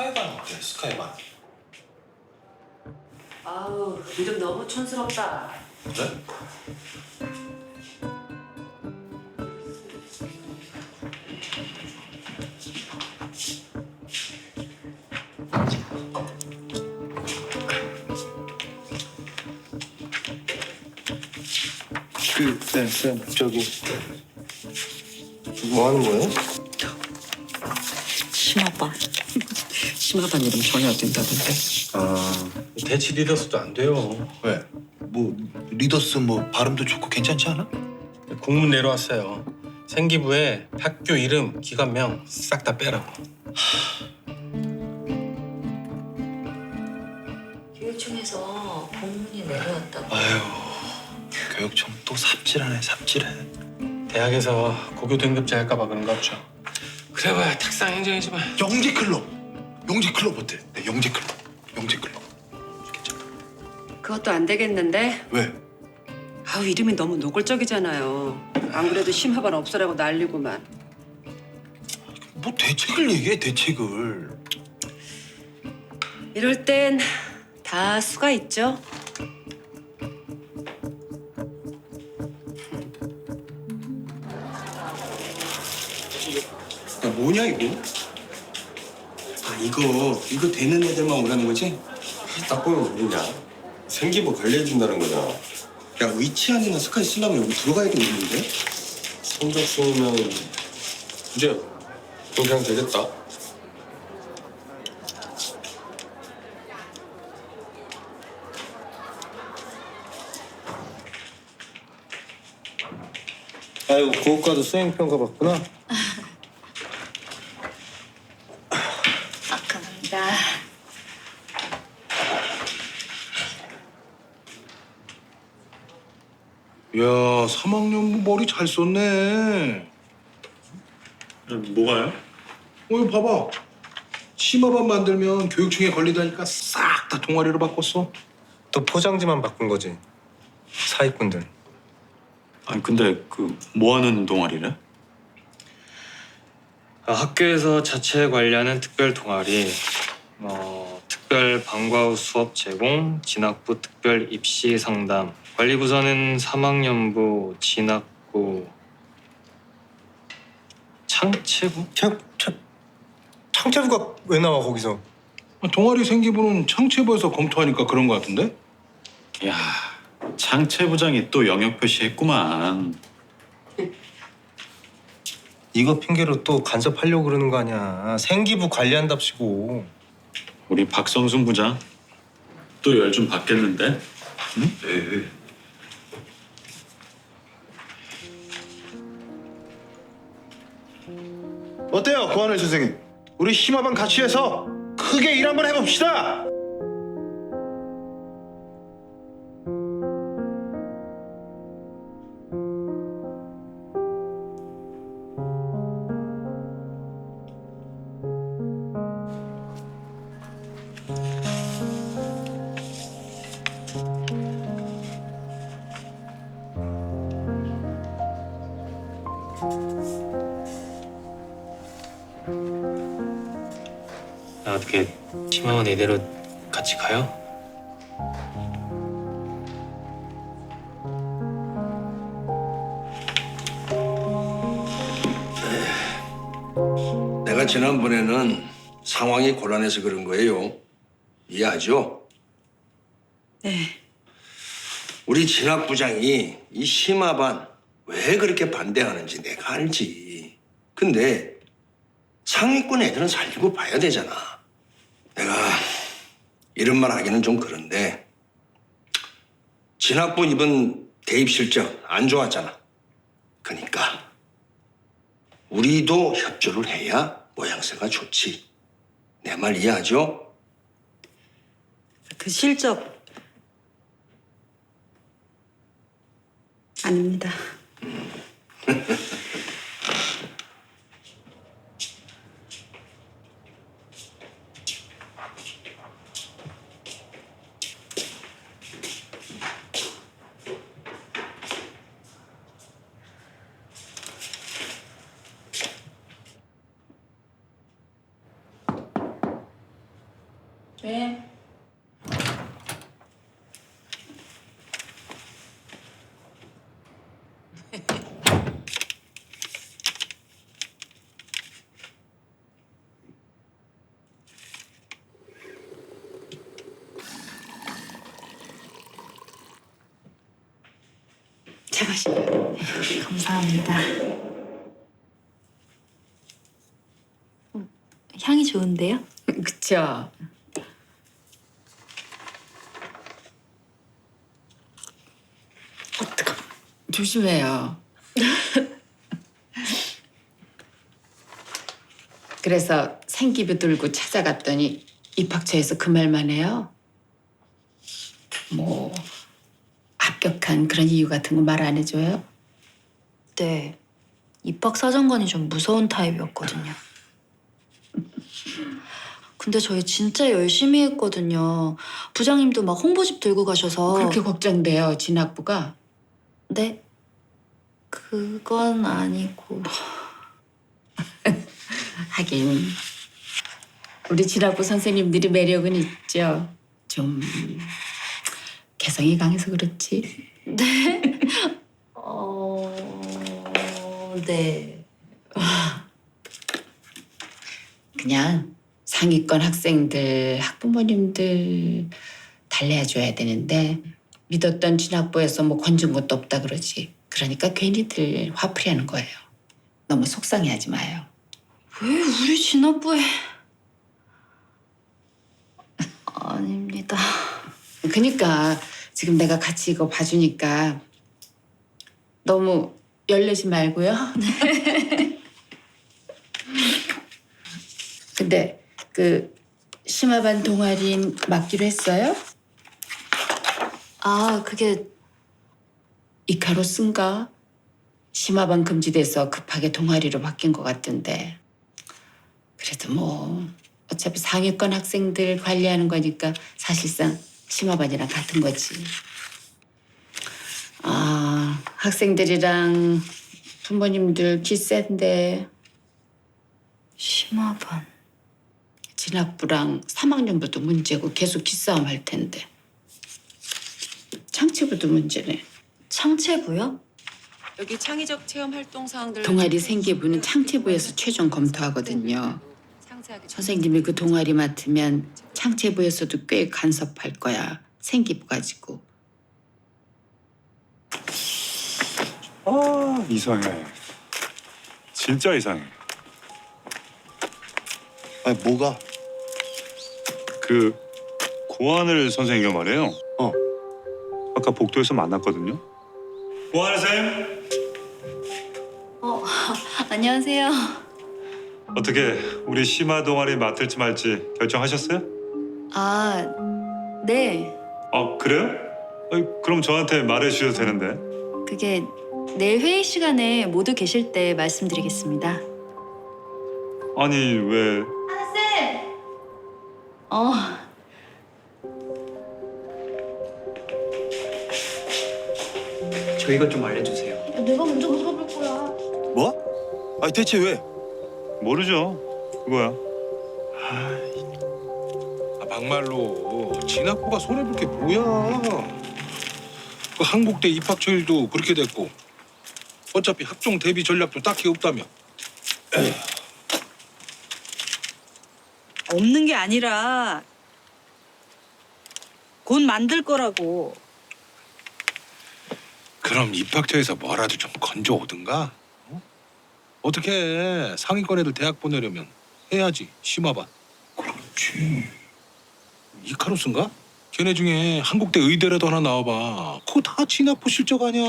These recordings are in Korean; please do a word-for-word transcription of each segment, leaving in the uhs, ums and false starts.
스카이반 어때? 스카이반. 아우, 이름 너무 촌스럽다. 그래? 그, 네, 쌤, 저기 뭐 하는 거예요? 심화반. 심화반 이름 전혀 안 된다던데. 아, 대치 리더스도 안 돼요. 왜? 뭐 리더스 뭐 발음도 좋고 괜찮지 않아? 공문 내려왔어요. 생기부에 학교 이름, 기관명 싹 다 빼라고. 교육청에서 공문이 내려왔다고. 아유, 교육청 또 삽질하네, 삽질해. 대학에서 고교 등급제 할까봐 그런 거 없죠. 그래봐야 탁상 행정이지만. 영재 클럽, 영재 클럽 어때? 네, 영재 클럽, 영재 클럽. 괜찮아. 그것도 안 되겠는데? 왜? 아우, 이름이 너무 노골적이잖아요. 안 그래도 심화반 없애라고 난리구만. 뭐 대책을 얘기해, 대책을. 이럴 땐 다 수가 있죠. 야, 뭐냐 이거? 아 이거 이거 되는 애들만 오라는 거지? 딱 보면 모르냐? 생기부 관리해준다는 거잖아. 야 위치안이나 스카이 쓰려면 여기 들어가야겠는데? 성적 수면 이제 그냥 되겠다. 아이고, 고학과도 수행평가 받구나. 아, 감사합니다. 야, 삼 학년 머리 잘 썼네. 뭐가요? 어, 이거 봐봐. 심화반 만들면 교육청에 걸리다니까 싹 다 동아리로 바꿨어. 또 포장지만 바꾼 거지. 사기꾼들. 아니 근데 그 뭐 하는 동아리래? 아, 학교에서 자체 관리하는 특별 동아리, 어, 특별 방과 후 수업 제공, 진학부 특별 입시 상담, 관리부서는 삼 학년부, 진학부, 창체부? 창, 창, 창체부가 왜 나와 거기서? 동아리 생기부는 창체부에서 검토하니까 그런 거 같은데? 야 창체부장이 또 영역 표시했구만. 이거 핑계로 또 간섭하려고 그러는 거 아니야. 생기부 관리한답시고. 우리 박성순 부장 또 열 좀 받겠는데? 네. 어때요, 고하늘 선생님? 우리 심화반 같이 해서 크게 일 한번 해봅시다. 나 어떻게 심화원 이대로 같이 가요? 내가 지난번에는 상황이 곤란해서 그런 거예요. 이해하죠? 네. 우리 진학부장이 이 심화반 왜 그렇게 반대하는지 내가 알지. 근데 상위권 애들은 살리고 봐야 되잖아. 내가 이런 말 하기는 좀 그런데 진학부 이번 대입 실적 안 좋았잖아. 그러니까 우리도 협조를 해야 모양새가 좋지. 내 말 이해하죠? 그 실적 아닙니다. 네. 차 마실래요? 감사합니다. 음, 향이 좋은데요? 그쵸? 어떡하 조심해요. 그래서 생기부 들고 찾아갔더니 입학처에서 그 말만 해요. 뭐 합격한 그런 이유 같은 거 말 안 해줘요? 네. 입학 사정관이 좀 무서운 타입이었거든요. 근데 저희 진짜 열심히 했거든요. 부장님도 막 홍보집 들고 가셔서. 그렇게 걱정돼요, 진학부가. 네? 그건 아니고. 하긴 우리 진학부 선생님들이 매력은 있죠. 좀 개성이 강해서 그렇지. 네? 어... 네. 그냥 상위권 학생들, 학부모님들 달래줘야 되는데 믿었던 진학부에서 뭐 건진 것도 없다 그러지. 그러니까 괜히들 화풀이하는 거예요. 너무 속상해하지 마요. 왜 우리 진압부에... 아닙니다. 그러니까 지금 내가 같이 이거 봐주니까 너무 열내지 말고요. 근데 그 심화반 동아리인 맡기로 했어요? 아, 그게... 이카로스인가? 심화반 금지돼서 급하게 동아리로 바뀐 것 같던데. 그래도 뭐 어차피 상위권 학생들 관리하는 거니까 사실상 심화반이랑 같은 거지. 아, 학생들이랑 부모님들 기센데 심화반... 진학부랑 삼 학년부도 문제고 계속 기싸움 할 텐데. 창체부도 문제네. 창체부요? 여기 창의적 체험 활동 사항들 동아리 생계부는 창체부에서 최종 검토하거든요. 선생님이 그 동아리 맡으면 창체부에서도 꽤 간섭할 거야. 생기부 가지고. 아 이상해. 진짜 이상해. 아니 뭐가? 그 고하늘 선생님과 말이에요. 어. 아까 복도에서 만났거든요. 고하늘 쌤. 어, 안녕하세요. 어떻게 우리 심화 동아리 맡을지 말지 결정하셨어요? 아, 네. 아 그래요? 아니, 그럼 저한테 말해 주셔도 되는데. 그게 내일 회의 시간에 모두 계실 때 말씀드리겠습니다. 아니 왜? 어, 저희가 좀 알려주세요. 내가 먼저 물어볼 거야. 뭐? 아니 대체 왜? 모르죠. 그거야. 아, 막말로 진학부가 손해볼 게 뭐야? 그 한국대 입학처일도 그렇게 됐고 어차피 학종 대비 전략도 딱히 없다며. 없는 게 아니라 곧 만들 거라고. 그럼 입학처에서 뭐라도 좀 건져 오든가? 어? 어떻게 해? 상위권 애들 대학 보내려면 해야지 심화반. 그렇지. 이카로스인가? 걔네 중에 한국대 의대라도 하나 나와봐. 그거 다 진학부 실적 아니야.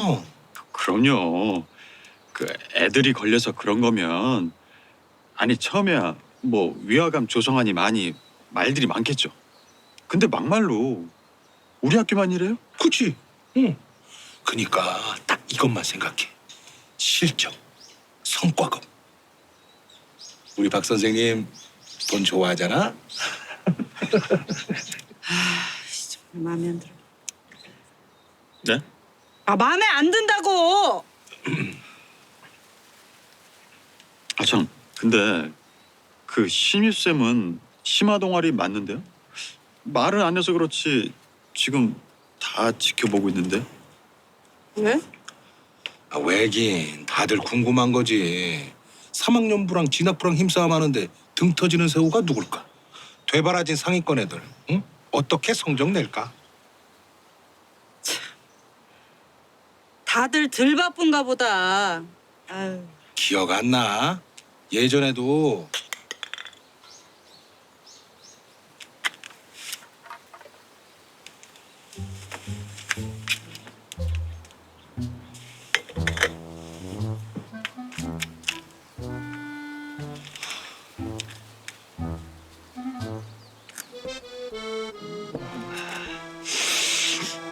그럼요. 그 애들이 걸려서 그런 거면 아니 처음에야 뭐 위화감 조성하니 많이 말들이 많겠죠. 근데 막말로 우리 학교만 이래요? 그치? 응. 그니까 딱 이것만 생각해. 실적, 성과급. 우리 박 선생님 돈 좋아하잖아? 정말 마음에 안 들어. 네? 아 마음에 안 든다고. 아 참. 근데 그 신유 쌤은 심화 동아리 맞는데요? 말은 안 해서 그렇지 지금 다 지켜보고 있는데. 왜? 아, 왜긴 다들 궁금한 거지. 삼 학년부랑 진학부랑 힘싸움하는데 등 터지는 새우가 누굴까? 되바라진 상위권 애들, 응? 어떻게 성적 낼까? 다들 덜 바쁜가 보다. 아유. 기억 안 나? 예전에도